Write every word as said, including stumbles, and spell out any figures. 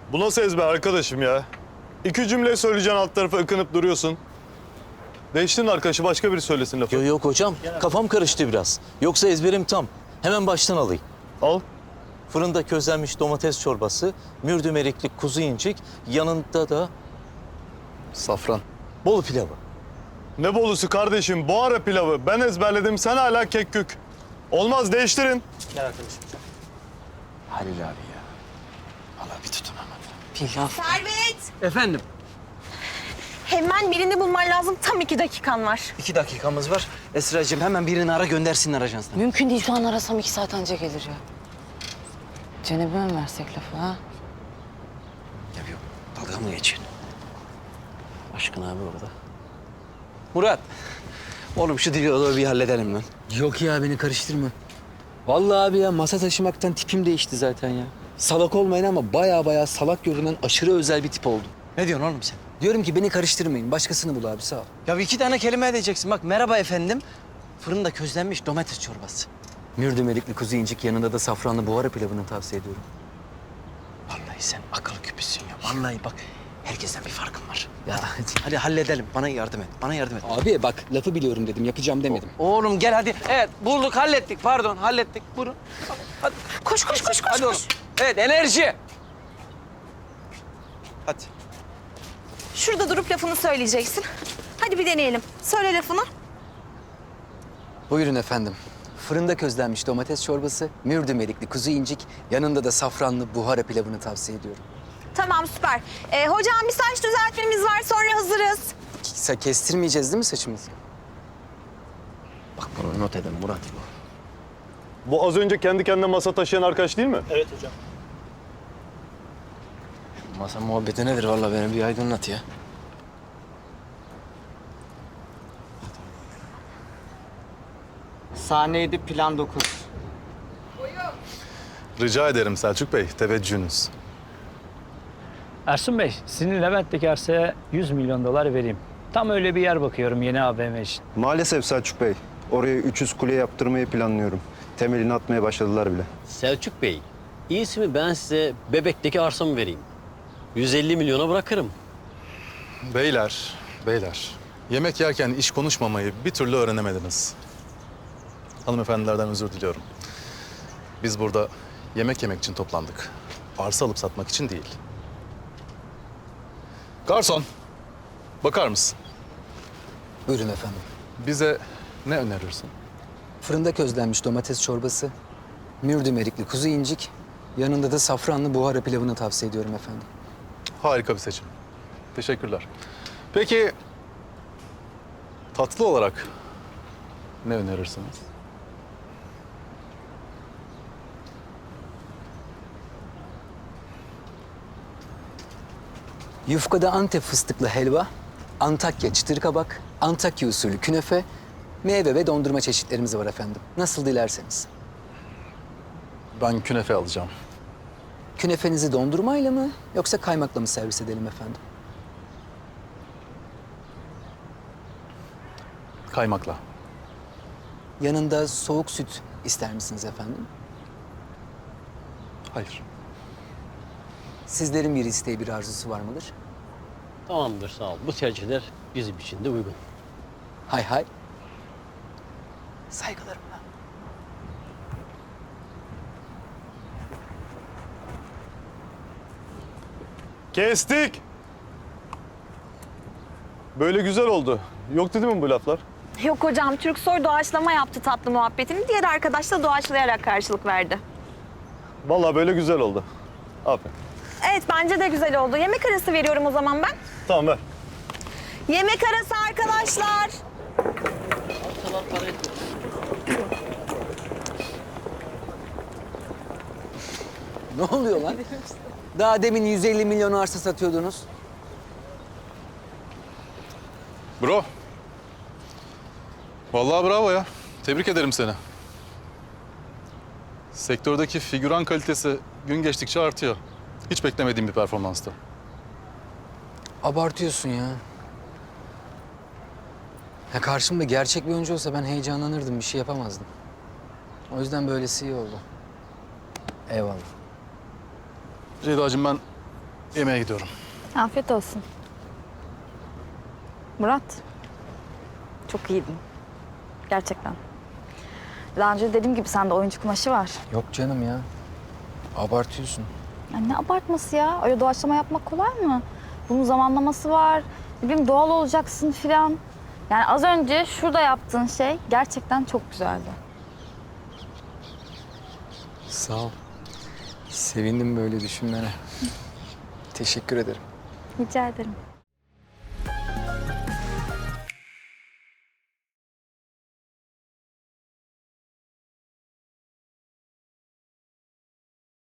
Bu nasıl ezber arkadaşım ya? İki cümle söyleyeceksin, alt tarafa ıkınıp duruyorsun. Değiştirin arkadaşı, başka biri söylesin lafı. Yok yok hocam, kafam karıştı biraz. Yoksa ezberim tam. Hemen baştan alayım. Al. Fırında közlenmiş domates çorbası, mürdüm erikli kuzu incik, yanında da Safran. Bolu pilavı. Ne bolusu kardeşim? Buhara pilavı. Ben ezberledim, sen hala kekkük. Olmaz, değiştirin. Halil abi ya. Vallahi bir tutunamadım. Pilav. Servet! Efendim? Hemen birini bulman lazım. Tam iki dakikan var. İki dakikamız var. Esra'cığım hemen birini ara göndersinler ajanstan. Mümkün değil, şu an arasam iki saat önce gelir ya. Cenab'e mi versek lafı ha? Ya yok, dalga mı geçiyorsun? Aşkın abi orada. Murat. Oğlum şu diyaloğu bir halledelim lan. Yok ya beni karıştırma. Vallahi abi ya masa taşımaktan tipim değişti zaten ya. Salak olmayın ama baya baya salak görünen aşırı özel bir tip oldum. Ne diyorsun oğlum sen? Diyorum ki beni karıştırmayın. Başkasını bul abi, sağ ol. Ya iki tane kelime edeceksin. Bak merhaba efendim. Fırında közlenmiş domates çorbası. Mürdüm erikli kuzu incik, yanında da safranlı buhara pilavını tavsiye ediyorum. Vallahi sen akıl küpüsün ya. Vallahi bak herkesten bir farkın var. Ya hadi, hadi halledelim. Bana yardım et. Bana yardım et. abi bak, lafı biliyorum dedim, yapacağım demedim. Oğlum gel hadi. Evet bulduk hallettik. Pardon hallettik. Buyurun. Hadi. Koş koş koş koş. Hadi oğlum. Evet enerji. Hadi. Şurada durup lafını söyleyeceksin. Hadi bir deneyelim. Söyle lafını. Buyurun efendim. Fırında közlenmiş domates çorbası, mürdüm erikli kuzu incik, yanında da safranlı buhara pilavını tavsiye ediyorum. Tamam süper. Ee, hocam bir saç düzeltmemiz var, sonra hazırız. Sa kestirmeyeceğiz değil mi saçımızı? Bak bunu not edin Murat. Bu az önce kendi kendine masa taşıyan arkadaş değil mi? Evet hocam. Masa muhabbeti nedir vallahi beni bir aydınlat ya. Sahne yedi, plan dokuz. Rica ederim Selçuk Bey, teveccühünüz. Ersun Bey, sizin Levent'teki arsaya yüz milyon dolar vereyim. Tam öyle bir yer bakıyorum yeni A V M için. Maalesef Selçuk Bey. Oraya üç yüz kule yaptırmayı planlıyorum. Temelini atmaya başladılar bile. Selçuk Bey, iyisi mi ben size Bebek'teki arsamı vereyim. yüz elli milyona bırakırım. Beyler, beyler. Yemek yerken iş konuşmamayı bir türlü öğrenemediniz. Hanımefendilerden özür diliyorum. Biz burada yemek yemek için toplandık. Arsa alıp satmak için değil. Garson, bakar mısın? Buyurun efendim. Bize ne önerirsin? Fırında közlenmiş domates çorbası, mürdüm erikli kuzu incik, yanında da safranlı buhara pilavını tavsiye ediyorum efendim. Harika bir seçim. Teşekkürler. Peki, tatlı olarak ne önerirsiniz? Yufkada Antep fıstıklı helva, Antakya çıtır kabak, Antakya usulü künefe, meyve ve dondurma çeşitlerimiz var efendim. Nasıl dilerseniz. Ben künefe alacağım. Künefenizi dondurmayla mı yoksa kaymakla mı servis edelim efendim? Kaymakla. Yanında soğuk süt ister misiniz efendim? Hayır. Sizlerin bir isteği, bir arzusu var mıdır? Tamamdır, sağ ol. Bu tercihler bizim için de uygun. Hay hay. Saygılarımla. Kestik. Böyle güzel oldu. Yok dedi mi bu laflar? Yok hocam, Türksoy doğaçlama yaptı tatlı muhabbetini. Diğer arkadaş da doğaçlayarak karşılık verdi. Vallahi böyle güzel oldu. Aferin. Evet, bence de güzel oldu. Yemek arası veriyorum o zaman ben. Tamam ver. Yemek arası arkadaşlar. Ne oluyor lan? Daha demin yüz elli milyon arsa satıyordunuz. Bro. Vallahi bravo ya. Tebrik ederim seni. Sektördeki figüran kalitesi gün geçtikçe artıyor. Hiç beklemediğim bir performanstı. Abartıyorsun ya. Ya karşımda gerçek bir oyuncu olsa ben heyecanlanırdım, bir şey yapamazdım. O yüzden böylesi iyi oldu. Eyvallah. Ceyda'cığım ben Yemeğe gidiyorum. Afiyet olsun. Murat, çok iyiydin. Gerçekten. Daha önce dediğim gibi sende oyuncu kumaşı var. Yok canım ya. Abartıyorsun. Ya ne abartması ya? Öyle doğaçlama yapmak kolay mı? Bunun zamanlaması var. Ne bileyim doğal olacaksın filan. Yani az önce şurada yaptığın şey gerçekten çok güzeldi. Sağ ol. Sevindim böyle düşünmene. Teşekkür ederim. Rica ederim.